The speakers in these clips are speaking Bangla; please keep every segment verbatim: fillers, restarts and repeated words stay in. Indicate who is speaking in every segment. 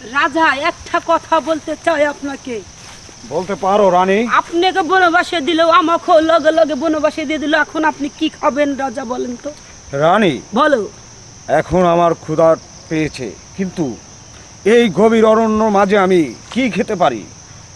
Speaker 1: রাজা একটা কথা বলতে চাই আপনাকে।
Speaker 2: বলতে পারো রানী।
Speaker 1: আপনাকে বনবাসে দিলেও আমাকেও লগে লগে বনবাসে দিয়ে দিল, এখন আপনি কি খাবেন রাজা বলেন তো?
Speaker 2: রানী
Speaker 1: বলো।
Speaker 2: এখন আমার ক্ষুধা পেয়েছে, কিন্তু এই গভীর অরণ্য মাঝে আমি কি খেতে পারি?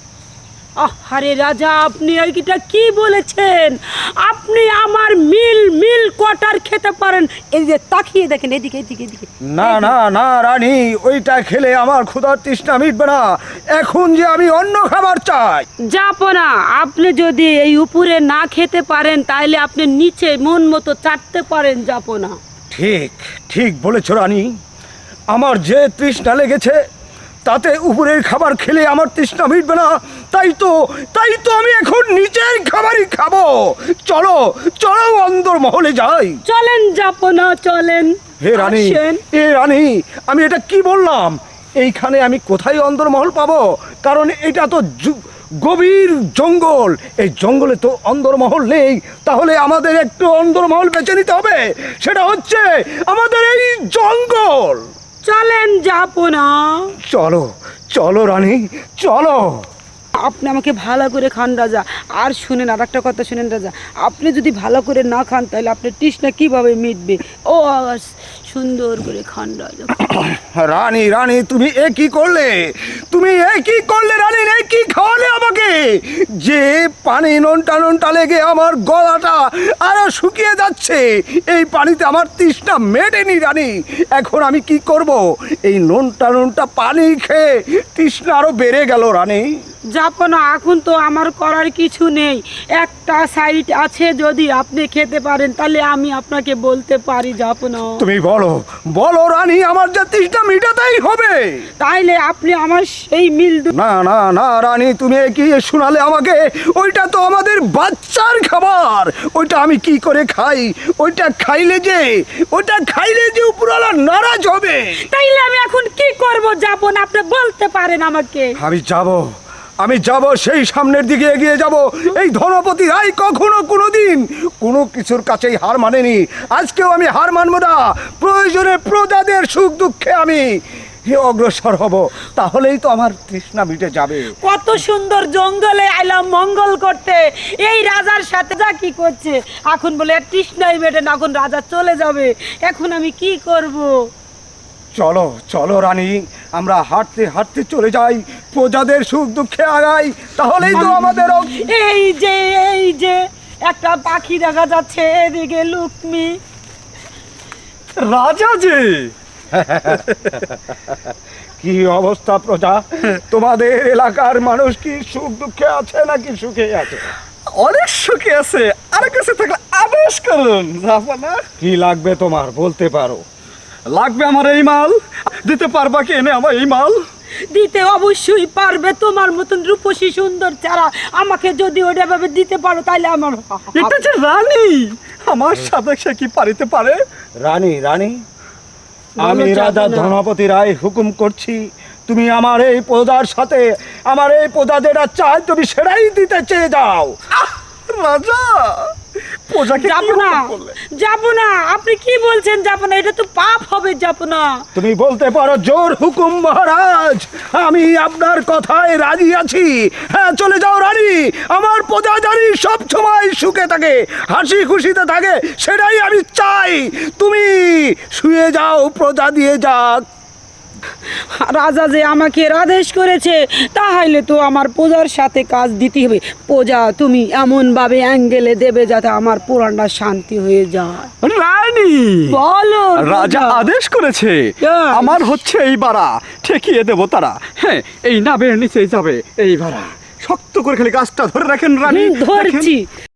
Speaker 1: আরে রাজা, আপনি এইটা কি বলেছেন? আপনি আমার মিল মিল কোয়ার্টার খেতে পারেন। এই যে তাকিয়ে দেখেন, এদিকে এদিকে এদিকে।
Speaker 2: না না না রানী, ওইটা খেলে আমার ক্ষুধার তৃষ্ণা মিটবে না। এখন যে আমি অন্য খাবার চাই।
Speaker 1: জাপনা, আপনি যদি এই উপরে না খেতে পারেন তাহলে আপনি নিচে মন মতো চাটতে পারেন জাপনা।
Speaker 2: ঠিক ঠিক বলেছ রানী, আমার যে তৃষ্ণা লেগেছে তাতে উপরের খাবার খেলে আমার তৃষ্ণা মিটবে না। তাই তো তাই তো আমি এখন নিচের খাবারই খাবো। চলো চলো অন্দর মহলে যাই।
Speaker 1: চলেন জাপনা, চলেন।
Speaker 2: হে রানী,
Speaker 1: আসেন।
Speaker 2: এ রানী, আমি এটা কি বললাম? এইখানে আমি কোথায় অন্দরমহল পাবো? কারণ এটা তো জু- গভীর জঙ্গল। এই জঙ্গলে তো অন্দরমহল নেই। তাহলে আমাদের একটু অন্দরমহল বেছে নিতে হবে। সেটা হচ্ছে আমাদের এই জঙ্গল।
Speaker 1: চলেন জাপনা।
Speaker 2: চলো চলো রানী, চলো।
Speaker 1: আপনি আমাকে ভালো করে খান রাজা। আর শুনেন, আর একটা কথা শুনেন রাজা, আপনি যদি ভালো করে না খান তাহলে আপনার তৃষ্ণা কিভাবে মিটবে? ও আওয়াজ সুন্দর করে খান রাজা।
Speaker 2: রানী রানী, তুমি এ কি করলে? তুমি এ কি করলে রানী? এ কি খাওয়ালে আমাকে? যে পানি নোনটা নোনটা লেগে আমার গলাটা আরো শুকিয়ে যাচ্ছে, এই পানিতে আমার তৃষ্ণা মেটেনি রানী। এখন আমি কি করব? এই নোনটা নোনটা পানি খেয়ে তৃষ্ণা আরো বেড়ে গেল রানী।
Speaker 1: জাপনা, এখন তো আমার করার কিছু নেই। একটা সাইড আছে, যদি আপনি খেতে পারেন তাহলে আমি আপনাকে বলতে পারি জাপনা।
Speaker 2: তুমি বলো বলো রানী, আমার যে তৃষ্ণা মেটাতেই হবে।
Speaker 1: তাইলে আপনি আমার সেই মিল দু-
Speaker 2: না না না রানী, তুমি এ কি শোনালে আমাকে? ওইটা তো আমাদের বাচ্চার খাবার। ওইটা আমি কি করে খাই? ওইটা খাইলে যে ওইটা খাইলে যে উপরওয়ালা নারাজ হবে।
Speaker 1: তাইলে আমি এখন কি করব জাপনা, আপনি বলতে পারেন আমাকে?
Speaker 2: আমি যাব আমি যাব সেই সামনের দিকে এগিয়ে যাব। এই ধনপতি রায় কখনো কোনোদিন কোনো কিছুর কাছেই হার মানেনি। আজকেও আমি হার মানবো না। প্রয়োজনে প্রজাদের সুখ দুঃখে আমি অগ্রসর হব। তাহলেই তো আমার তৃষ্ণা মিটে যাবে।
Speaker 1: কত সুন্দর জঙ্গলে আইলাম মঙ্গল করতে, এই রাজার সাথে যা কি করছে। এখন বলে তৃষ্ণাই মেটে না, এখন রাজা চলে যাবে। এখন আমি কি করব?
Speaker 2: চলো চলো রানী, আমরা হাঁটতে হাঁটতে চলে যাই, প্রজাদের সুখ দুঃখে আগাই। তাহলেই তো আমাদের অগ-
Speaker 1: এই যে এই যে একটা পাখি দেখা যাচ্ছে, এদিকে লুকমি।
Speaker 3: রাজা যে
Speaker 2: কি অবস্থা প্রজা? তোমাদের এলাকার মানুষ কি সুখ দুঃখে আছে নাকি সুখে আছে?
Speaker 3: অনেক সুখে আছে। আর কাছে থাকলে আদেশ করুন জাপানা।
Speaker 2: কি লাগবে তোমার, বলতে পারো।
Speaker 3: লাগবে আমার এই মাল। দিতে পারবা কি এনে আমার এই মাল?
Speaker 1: দিতে অবশ্যই পারবে। তোমার মতন রূপসী সুন্দর চারা আমাকে যদি ওটা ভাবে দিতে পারো তাহলে আমার
Speaker 3: এটা যে রানী, আমার সাথে সে কি পারিতে পারে?
Speaker 2: রানী রানী,
Speaker 1: বলো
Speaker 2: আমি রাজা
Speaker 1: যাবে না।
Speaker 2: ধনপতি রায় হুকুম করছি, তুমি আমার এই প্রজার সাথে আমার এই প্রজা যেটা চায় তুমি সেটাই দিতে চেয়ে যাও।
Speaker 3: আহ, রাজা প্রজাকে
Speaker 1: যাব
Speaker 3: কি
Speaker 1: না,
Speaker 3: হুকুম করলে?
Speaker 1: যাব না। আপনি কি বলছেন? যাব না, এটা তো পাপ হবে। যাব না।
Speaker 2: তুমি বলতে পারো জোর হুকুম মহারাজ, আমি আপনার কথায় রাজি আছি। হ্যাঁ, চলে যাও রানী। আমার প্রজা জানি সব সময় সুখে থাকে, হাসি খুশিতে থাকে, সেটাই আমি চাই। তুমি শুয়ে যাও, প্রজা দিয়ে যাক।
Speaker 1: রাজা যে আমাকে আদেশ করেছে, তাহলে তো আমার প্রজার সাথে কাজ দিতে হবে। প্রজা তুমি এমন ভাবে অ্যাঙ্গেলে দেবে যাতে আমার পুরাণটা শান্তি হয়ে যায়।
Speaker 3: রানী
Speaker 1: বলো
Speaker 3: রাজা
Speaker 1: প্রজা।
Speaker 3: আদেশ করেছে
Speaker 1: Yes.
Speaker 3: আমার হচ্ছে এই বাড়া ঠেকিয়ে দেবো তারা। হ্যাঁ, এই নাবের নিচেই যাবে এই বাড়া। শক্ত করে খালি গাছটা ধরে রাখেন রানী।
Speaker 1: হুম,
Speaker 3: দেখেন।
Speaker 1: ধরছি।